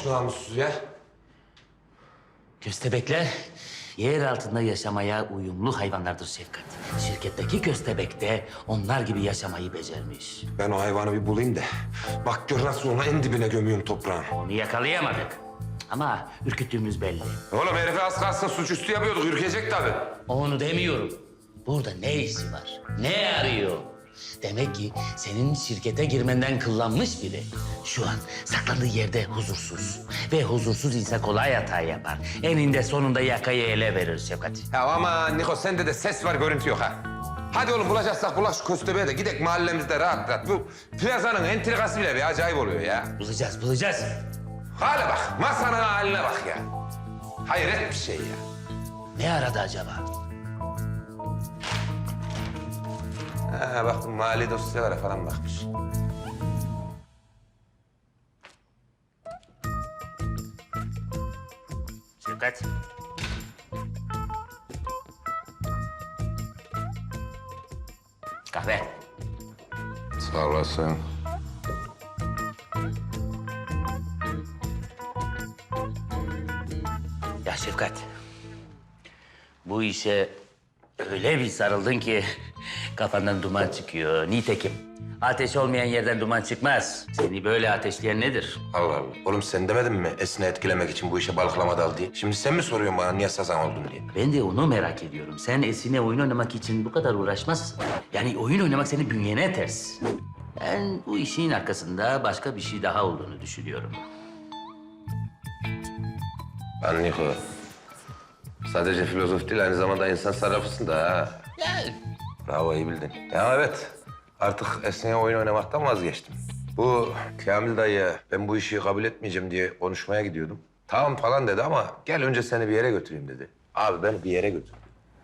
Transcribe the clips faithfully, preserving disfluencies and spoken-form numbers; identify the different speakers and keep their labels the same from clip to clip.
Speaker 1: olmuş namussuz ya?
Speaker 2: Köstebekler yer altında yaşamaya uyumlu hayvanlardır Şefkat. Şirketteki köstebek de onlar gibi yaşamayı becermiş.
Speaker 1: Ben o hayvanı bir bulayım da. Bak gör nasıl onu en dibine gömüyorum toprağın.
Speaker 2: Onu yakalayamadık. Ama ürküttüğümüz belli.
Speaker 1: Oğlum herife az kalsın suçüstü yapıyorduk. Ürkecek tabii.
Speaker 2: Onu demiyorum. Burada ne işi var? Ne arıyor? Demek ki senin şirkete girmenden kıllanmış biri. Şu an saklandığı yerde huzursuz. Ve huzursuz insan kolay hata yapar. Eninde sonunda yakayı ele verir Şefkat.
Speaker 1: Ya ama Niko sende de ses var görüntü yok ha. Hadi oğlum bulacaksak bulaş şu köstebeğe de gidek mahallemizde rahat rahat. Bu plazanın entrikası bile bir acayip oluyor ya.
Speaker 2: Bulacağız, bulacağız.
Speaker 1: Hale bak, masanın haline bak ya. Hayret bir şey ya.
Speaker 2: Ne aradı acaba?
Speaker 1: Ha bak bu mali dosyalara falan bakmış.
Speaker 2: Şefkat. Kahve.
Speaker 1: Sağ olasın.
Speaker 2: Ya Şefkat. Bu işe öyle bir sarıldın ki kafandan duman çıkıyor. Nitekim ateş olmayan yerden duman çıkmaz. Seni böyle ateşleyen nedir?
Speaker 1: Allah Allah. Oğlum sen demedin mi Esin'i etkilemek için bu işe balıklama dal diye? Şimdi sen mi soruyorsun bana niye sazan oldun diye?
Speaker 2: Ben de onu merak ediyorum. Sen Esin'e oyun oynamak için bu kadar uğraşmazsın. Yani oyun oynamak senin bünyene ters. Ben bu işin arkasında başka bir şey daha olduğunu düşünüyorum.
Speaker 1: Ben Niko. Sadece filozof değil aynı zamanda insan sarrafısın da ha.
Speaker 2: Yani
Speaker 1: Bravo iyi bildin. Ya evet artık Esin'e oyun oynamaktan vazgeçtim. Bu Kamil dayı ben bu işi kabul etmeyeceğim diye konuşmaya gidiyordum. Tamam falan dedi ama gel önce seni bir yere götüreyim dedi. Abi beni bir yere götür.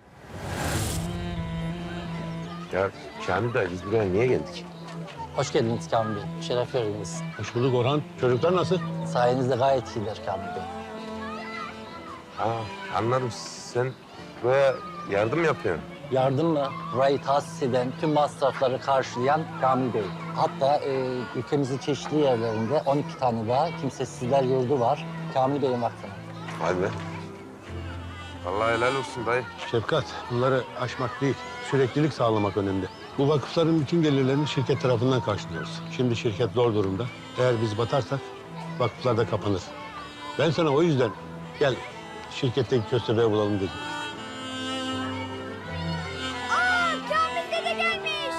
Speaker 1: Ya Kamil dayı biz buraya niye geldik?
Speaker 3: Hoş geldiniz Kamil Bey. Şeref verdiniz.
Speaker 4: Hoş bulduk Orhan. Çocuklar nasıl?
Speaker 3: Sayenizde gayet iyiler Kamil Bey.
Speaker 1: Ha anladım sen buraya yardım yapıyorsun.
Speaker 3: Yardım mı? Burayı tahsis eden, tüm masrafları karşılayan Kamil Bey. Hatta e, ülkemizin çeşitli yerlerinde on iki tane daha kimsesizler yurdu var. Kamil Bey'in vakfına.
Speaker 1: Vay be. Vallahi helal olsun dayı.
Speaker 4: Şefkat, bunları aşmak değil, süreklilik sağlamak önemli. Bu vakıfların bütün gelirlerini şirket tarafından karşılıyoruz. Şimdi şirket zor durumda. Eğer biz batarsak vakıflar da kapanır. Ben sana o yüzden gel şirketteki köstebeği bulalım dedim.
Speaker 5: Aa, Kamil dede gelmiş.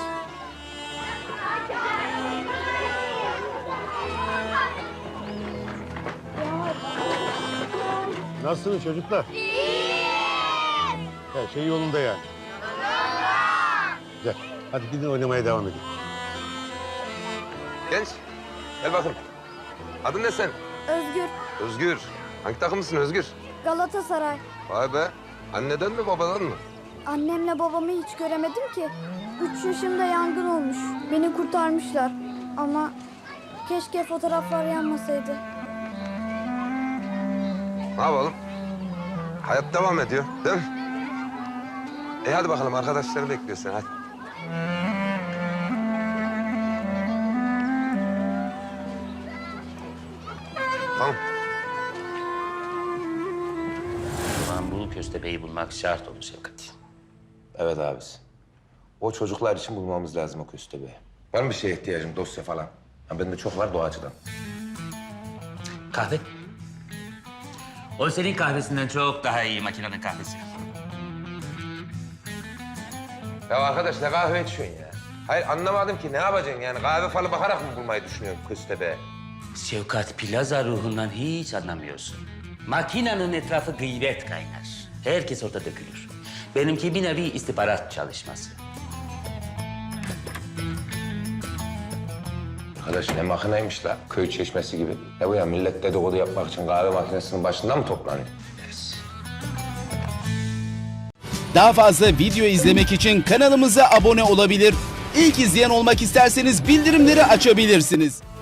Speaker 4: Nasılsınız çocuklar? Her şey yolunda yani. Güzel. Hadi gidin oynamaya devam edin.
Speaker 1: Genç gel bakın. Adın ne sen?
Speaker 5: Özgür,
Speaker 1: Özgür. Hangi takımlısın Özgür?
Speaker 5: Galatasaray.
Speaker 1: Vay be. Anneden mi babadan mı?
Speaker 5: Annemle babamı hiç göremedim ki. Üç yaşımda yangın olmuş. Beni kurtarmışlar. Ama keşke fotoğraflar yanmasaydı.
Speaker 1: Ne yapalım? Hayat devam ediyor değil mi? E hadi bakalım arkadaşları bekliyor seni hadi. Tamam.
Speaker 2: o zaman bu köstebeği bulmak şart olur Şefkat.
Speaker 1: Evet abisi. O çocuklar için bulmamız lazım o köstebeği. Var mı bir şeye ihtiyacım dosya falan? Ha, bende çok var doğacıdan.
Speaker 2: Kahve. O senin kahvesinden çok daha iyi makinenin kahvesi.
Speaker 1: Ya arkadaş ne kahve içiyorsun ya? Hayır anlamadım ki ne yapacaksın yani kahve falı bakarak mı bulmayı düşünüyorsun köstebeği?
Speaker 2: Şefkat plaza ruhundan hiç anlamıyorsun. Makinenin etrafı gıybet kaynar. Herkes orada dökülür. Benimki bir nevi istihbarat çalışması.
Speaker 1: Arkadaş ne makineymiş la? Köy çeşmesi gibi. Ne bu ya millet dedikodu yapmak için kahve makinesinin başında mı toplanıyor?
Speaker 6: Daha fazla video izlemek için kanalımıza abone olabilir. İlk izleyen olmak isterseniz bildirimleri açabilirsiniz.